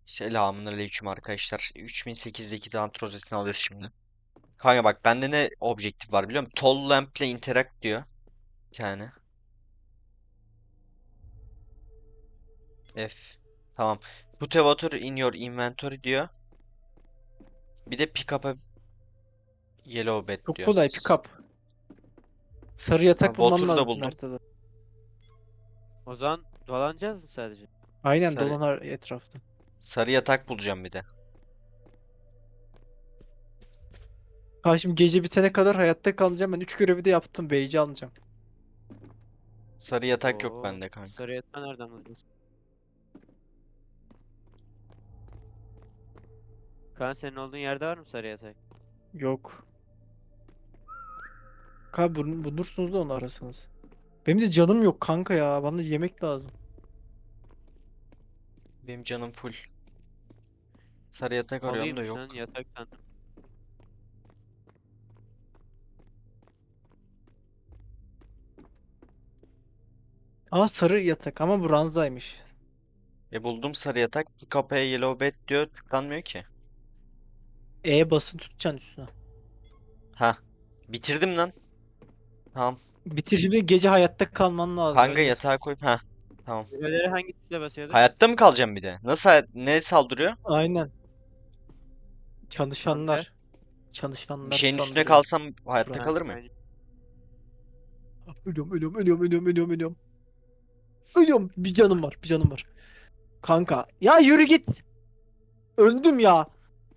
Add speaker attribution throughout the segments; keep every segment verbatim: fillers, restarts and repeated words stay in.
Speaker 1: Selamünaleyküm arkadaşlar. üç bin sekizdeki Dant rozetini alıyoruz şimdi. Kanka bak bende ne objektif var biliyor musun? Tall lamp ile interact diyor. Bir tane. F. Tamam. Put a water in your inventory diyor. Bir de pick up a yellow bed
Speaker 2: Çok
Speaker 1: diyor.
Speaker 2: kolay pick up. Sarı yatak
Speaker 1: Ha,
Speaker 2: bulman
Speaker 1: water'ı da
Speaker 2: lazım
Speaker 1: buldum.
Speaker 2: haritada.
Speaker 3: O zaman dolanacağız mı sadece?
Speaker 2: Aynen
Speaker 1: Sarı,
Speaker 2: dolanar etrafta.
Speaker 1: sarı yatak bulacağım bir de.
Speaker 2: Ha şimdi gece bitene kadar hayatta kalacağım. Ben üç görevi de yaptım. Beyci alacağım.
Speaker 1: Sarı yatak yok
Speaker 3: Oo,
Speaker 1: bende kanka.
Speaker 3: sarı yatağı nereden bulacağız? Kaan senin olduğun yerde var mı sarı yatak?
Speaker 2: Yok. Kanka bul bulursunuz da onu arasınız. Benim de canım yok kanka ya. Bana yemek lazım.
Speaker 1: Benim canım full. Sarı yatak arıyorum da
Speaker 3: Halıymış lan
Speaker 1: yok.
Speaker 3: yatak sandım.
Speaker 2: Aa sarı yatak ama bu ranzaymış.
Speaker 1: E buldum sarı yatak. Pick up a yellow bed diyor. Tıklanmıyor ki.
Speaker 2: E basın tutacaksın üstüne.
Speaker 1: Ha. Bitirdim lan. Tamam.
Speaker 2: Bitir şimdi gece hayatta kalman lazım.
Speaker 1: Kanka
Speaker 2: Ölmesin.
Speaker 1: yatağa koyup ha. Tamam.
Speaker 3: Görevlere hangi tuşla basıyorduk?
Speaker 1: Hayatta mı kalacağım bir de? Nasıl hayat- ne saldırıyor?
Speaker 2: Aynen.
Speaker 3: Enter.
Speaker 2: Çalışanlar.
Speaker 1: Bir
Speaker 2: Çalışanlar
Speaker 1: şeyin üstüne
Speaker 2: saldırıyor.
Speaker 1: kalsam hayatta
Speaker 2: Bura.
Speaker 3: Ha,
Speaker 1: kalır mı?
Speaker 3: aynen.
Speaker 2: Ölüyorum, ölüyorum, ölüyorum, ölüyorum, ölüyorum, ölüyorum. Ölüyorum. Bir canım var, bir canım var. Kanka. Ya yürü git. Öldüm ya.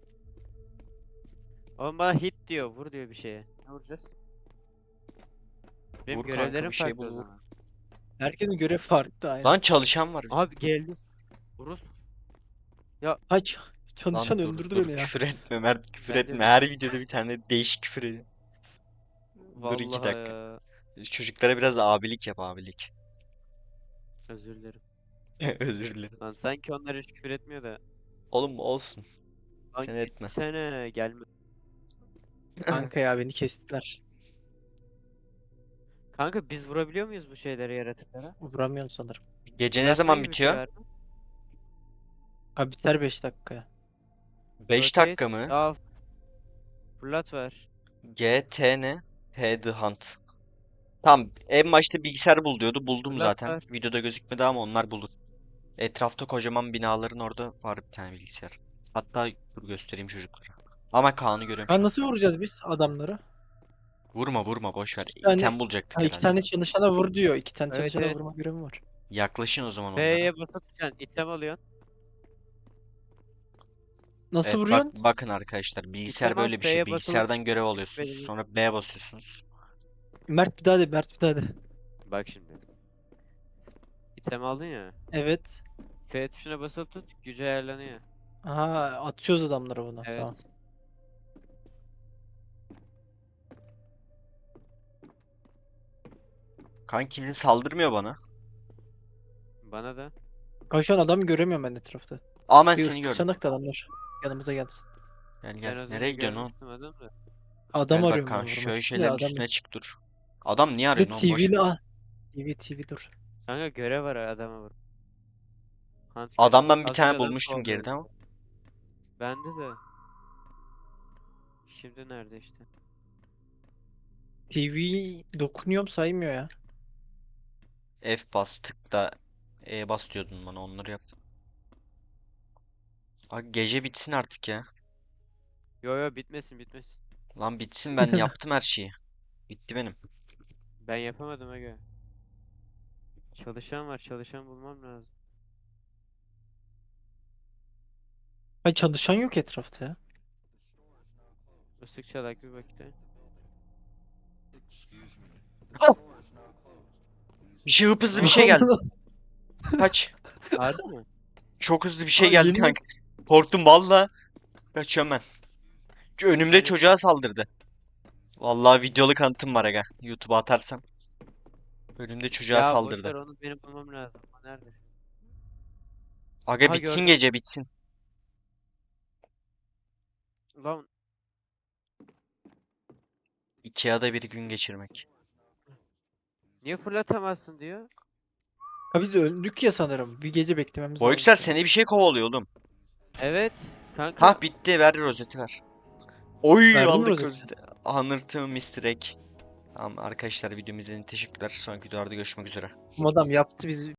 Speaker 3: Oğlum bana hit diyor, vur diyor bir şeye. Ne vuracağız? Benim
Speaker 1: Vur kanka
Speaker 3: görevlerim
Speaker 1: bir şey
Speaker 3: farklı
Speaker 1: bul
Speaker 3: o
Speaker 1: vur.
Speaker 3: zaman.
Speaker 2: Herkesin görev farklı aynen.
Speaker 1: Lan çalışan var.
Speaker 3: Abi geldi. Vuruz.
Speaker 2: Haç çalışan
Speaker 1: Lan dur
Speaker 2: öldürdü
Speaker 1: dur
Speaker 2: beni ya.
Speaker 1: küfür etme Mert küfür
Speaker 3: Ben de
Speaker 1: etme.
Speaker 3: öyle.
Speaker 1: Her videoda bir tane değişik küfür ediyor. Dur iki
Speaker 3: Vallahi
Speaker 1: dakika.
Speaker 3: ya.
Speaker 1: Çocuklara biraz abilik yap abilik.
Speaker 3: Özür dilerim.
Speaker 1: Özür dilerim.
Speaker 3: Lan sanki onlar hiç küfür etmiyor da.
Speaker 1: Oğlum olsun.
Speaker 3: Lan
Speaker 1: Sen etme.
Speaker 3: gitsene gelme.
Speaker 2: Kanka ya beni kestiler.
Speaker 3: Kanka biz vurabiliyor muyuz bu şeylere, yaratıklara?
Speaker 2: Vuramıyorum sanırım.
Speaker 1: Gece ne
Speaker 3: Fırlatma
Speaker 1: zaman
Speaker 3: gibi bir şey
Speaker 1: bitiyor?
Speaker 3: var mı?
Speaker 2: Ha biter beş dakikaya.
Speaker 1: Beş
Speaker 3: Rotate.
Speaker 1: dakika mı?
Speaker 3: Aa, fırlat var.
Speaker 1: G, T ne? T The Hunt. Tamam en başta bilgisayar bul diyordu. Buldum
Speaker 3: Fırlat
Speaker 1: zaten.
Speaker 3: var.
Speaker 1: Videoda gözükmedi ama onlar bulur. Etrafta kocaman binaların orada var bir tane bilgisayar. Hatta dur göstereyim çocuklara. Ama Kaan'ı görüyorum
Speaker 2: Ha
Speaker 1: şu an.
Speaker 2: nasıl vuracağız biz adamları?
Speaker 1: Vurma vurma boş ver.
Speaker 2: İki tane
Speaker 1: İtem bulacaktık
Speaker 2: ha, iki
Speaker 1: herhalde.
Speaker 2: tane çalışana vur diyor. İki tane
Speaker 3: Evet
Speaker 2: çalışana
Speaker 3: evet.
Speaker 2: vurma görevi var.
Speaker 1: Yaklaşın o zaman onlara.
Speaker 3: F'ye basıp tutacaksın. İtem alıyorsun.
Speaker 2: Nasıl
Speaker 1: Evet bak
Speaker 2: vuruyorsun?
Speaker 1: bakın arkadaşlar bilgisayar
Speaker 3: İtem al.
Speaker 1: böyle bir şey.
Speaker 3: F'ye basılı
Speaker 1: Bilgisayardan görev
Speaker 3: takip
Speaker 1: alıyorsunuz.
Speaker 3: edici.
Speaker 1: Sonra B basıyorsunuz.
Speaker 2: Mert bir daha de, Mert bir daha de.
Speaker 3: Bak şimdi. İtem aldın ya.
Speaker 2: Evet.
Speaker 3: F tuşuna basılı tut. Gücü ayarlanıyor.
Speaker 2: Aha atıyoruz adamlara bunu.
Speaker 3: Evet.
Speaker 2: Tamam.
Speaker 1: Kankinin saldırmıyor bana.
Speaker 3: Bana da.
Speaker 2: Kanka şu an adamı göremiyorum ben etrafta.
Speaker 1: Aa ben
Speaker 2: Bir
Speaker 1: seni
Speaker 2: ıslık
Speaker 1: gördüm.
Speaker 2: çanak da adamlar. Yanımıza gelsin.
Speaker 1: Gel gel.
Speaker 3: Ben az
Speaker 1: Nereye
Speaker 3: önce
Speaker 1: gidiyorsun oğlum?
Speaker 3: görmüştüm adam da.
Speaker 2: Adam
Speaker 1: Gel bak
Speaker 2: arıyorum ben
Speaker 1: kanka
Speaker 2: vurmak
Speaker 1: şöyle
Speaker 2: için de
Speaker 1: şeylerin
Speaker 2: adam yok.
Speaker 1: üstüne çık dur. Adam niye
Speaker 2: Bir de
Speaker 1: arıyorsun oğlum boş ver.
Speaker 2: T V'li ah. T V T V dur.
Speaker 3: Kanka görev var adama vur. Hunt görevi.
Speaker 1: Adam ben bir
Speaker 3: Az önce
Speaker 1: tane
Speaker 3: adam
Speaker 1: bulmuştum geride
Speaker 3: kovalıyordum.
Speaker 1: ama.
Speaker 3: Bende de. Şimdi nerede işte?
Speaker 2: T V dokunuyorum saymıyor ya.
Speaker 1: F bastık da E bas diyordun bana onları yap. Abi gece bitsin artık ya.
Speaker 3: Yo yo, bitmesin bitmesin.
Speaker 1: Lan bitsin ben yaptım her şeyi. Bitti benim.
Speaker 3: Ben yapamadım aga. Çalışan var, çalışan bulmam lazım.
Speaker 2: Ay çalışan yok etrafta ya.
Speaker 3: Isık çalak bir bakayım.
Speaker 1: Ah! Bir şey hıp hızlı bir
Speaker 3: Ne
Speaker 1: şey
Speaker 3: oldu?
Speaker 1: geldi.
Speaker 2: lan?
Speaker 1: Kaç.
Speaker 3: Harbi mi?
Speaker 1: Çok hızlı bir şey
Speaker 2: Aa,
Speaker 1: geldi
Speaker 2: geliyor.
Speaker 1: kanka. Korktum valla. Kaçıyorum ben. Şu önümde
Speaker 3: Hani
Speaker 1: çocuğa saldırdı. Vallahi videolu kanıtım var aga. YouTube'a atarsam. Önümde çocuğa
Speaker 3: ya boş
Speaker 1: saldırdı.
Speaker 3: ver, onu benim bulmam lazım. O nerede?
Speaker 1: Aga
Speaker 3: Aha
Speaker 1: bitsin
Speaker 3: gördüm.
Speaker 1: gece bitsin.
Speaker 3: Lan
Speaker 1: Ikea'da bir gün geçirmek.
Speaker 3: niye fırlatamazsın diyor.
Speaker 2: Ha biz öldük ya sanırım. Bir gece beklememiz lazım
Speaker 1: Boyksel
Speaker 2: sanırım.
Speaker 1: seni bir şey kovalıyor oğlum.
Speaker 3: Evet. Kanka.
Speaker 1: Hah bitti, ver rozeti ver. Oy
Speaker 2: Verdin mi
Speaker 1: aldık
Speaker 2: rozeti?
Speaker 1: rozeti. Anırtı mister Egg. Tamam arkadaşlar, videomu izlediğiniz için teşekkürler. Sonraki videolarda görüşmek üzere.
Speaker 2: Bu adam yaptı bizi.